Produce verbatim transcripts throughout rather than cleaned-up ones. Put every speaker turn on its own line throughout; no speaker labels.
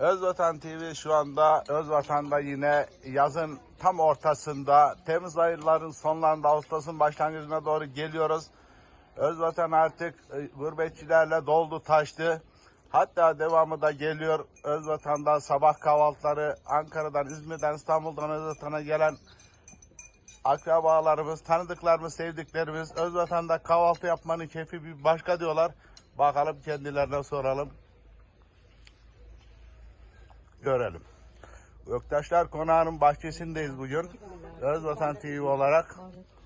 Özvatan T V şu anda Özvatan'da yine yazın tam ortasında, Temmuz ayların sonlarında, Ağustos'un başlangıcına doğru geliyoruz. Özvatan artık e, gurbetçilerle doldu taştı. Hatta devamı da geliyor. Özvatan'da sabah kahvaltıları, Ankara'dan, İzmir'den, İstanbul'dan Özvatan'a gelen akrabalarımız, tanıdıklarımız, sevdiklerimiz Özvatan'da kahvaltı yapmanın keyfi bir başka diyorlar. Bakalım kendilerine soralım. Görelim. Göktaşlar Konağı'nın bahçesindeyiz bugün. Özvatan T V olarak.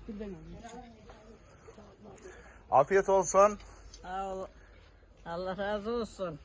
Afiyet olsun.
Sağ ol. Allah razı olsun.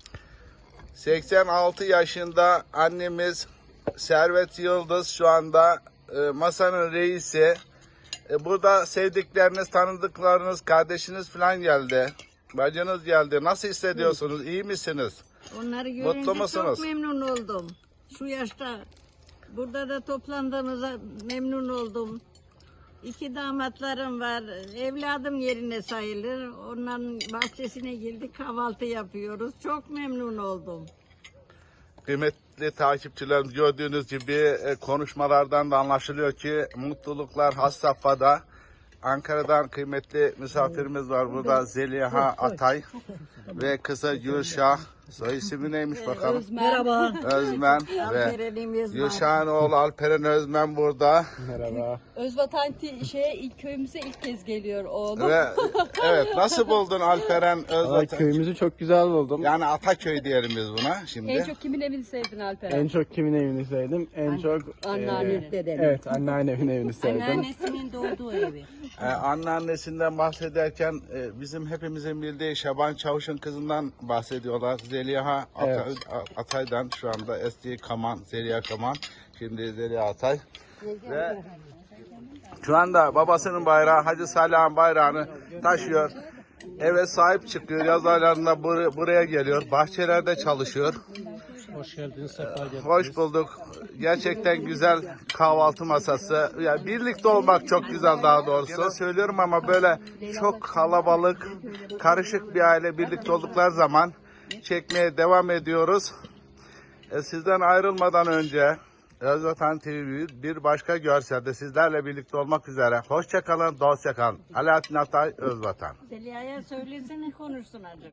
seksen altı yaşında annemiz Servet Yıldız şu anda e, masanın reisi. E, burada sevdikleriniz, tanıdıklarınız, kardeşiniz falan geldi. Bacınız geldi. Nasıl hissediyorsunuz? İyi misiniz?
Onları
Mutlu
görünce
musunuz?
çok memnun oldum. Şu yaşta burada da toplandığımıza memnun oldum. İki damatlarım var. Evladım yerine sayılır. Onların bahçesine girdik, kahvaltı yapıyoruz. Çok memnun oldum.
Kıymetli takipçilerimiz, gördüğünüz gibi e, konuşmalardan da anlaşılıyor ki mutluluklar has safhada. Ankara'dan kıymetli misafirimiz var burada, Zeliha Atay ve kızı Gülşah. Soy ismi neymiş bakalım?
Merhaba.
Özmen ve
Alperenimiz var.
Gülşah'ın oğlu Alperen Özmen burada.
Merhaba.
Özvatan T- şeye ilk köyümüze ilk kez geliyor oğlum.
Ve evet, nasıl buldun Alperen
Valla
Özvatan?
köyümüzü çok güzel buldum.
Yani Ataköy diyelim biz buna şimdi.
En çok kimin evini sevdin Alperen?
En çok kimin evini sevdim? En çok
Anneanne.
e,
Dedemin.
evet, anneannemin evini sevdim.
Anneannesinin doğduğu evi.
Ee, anneannesinden bahsederken e, bizim hepimizin bildiği Şaban Çavuş'un kızından bahsediyorlar. Zeliha Ata-
Evet.
Atay'dan şu anda eski Kaman, Zeliha Kaman. Şimdi Zeliha Atay. Ve şu anda babasının bayrağı, Hacı Salih'in bayrağını taşıyor. Eve sahip çıkıyor. Yaz aylarında bur- buraya geliyor. Bahçelerde çalışıyor.
Hoş geldiniz, sefa geldiniz.
Hoş bulduk. Gerçekten güzel kahvaltı masası. Yani birlikte olmak çok güzel daha doğrusu. Söylüyorum ama böyle çok kalabalık, karışık bir aile birlikte oldukları zaman çekmeye devam ediyoruz. E, sizden ayrılmadan önce Özvatan T V bir başka görselde sizlerle birlikte olmak üzere. Hoşça kalın, dostça kalın. Alaaddin Atay, Özvatan.
Zeliha'ya söylesene konuşsun azıcık.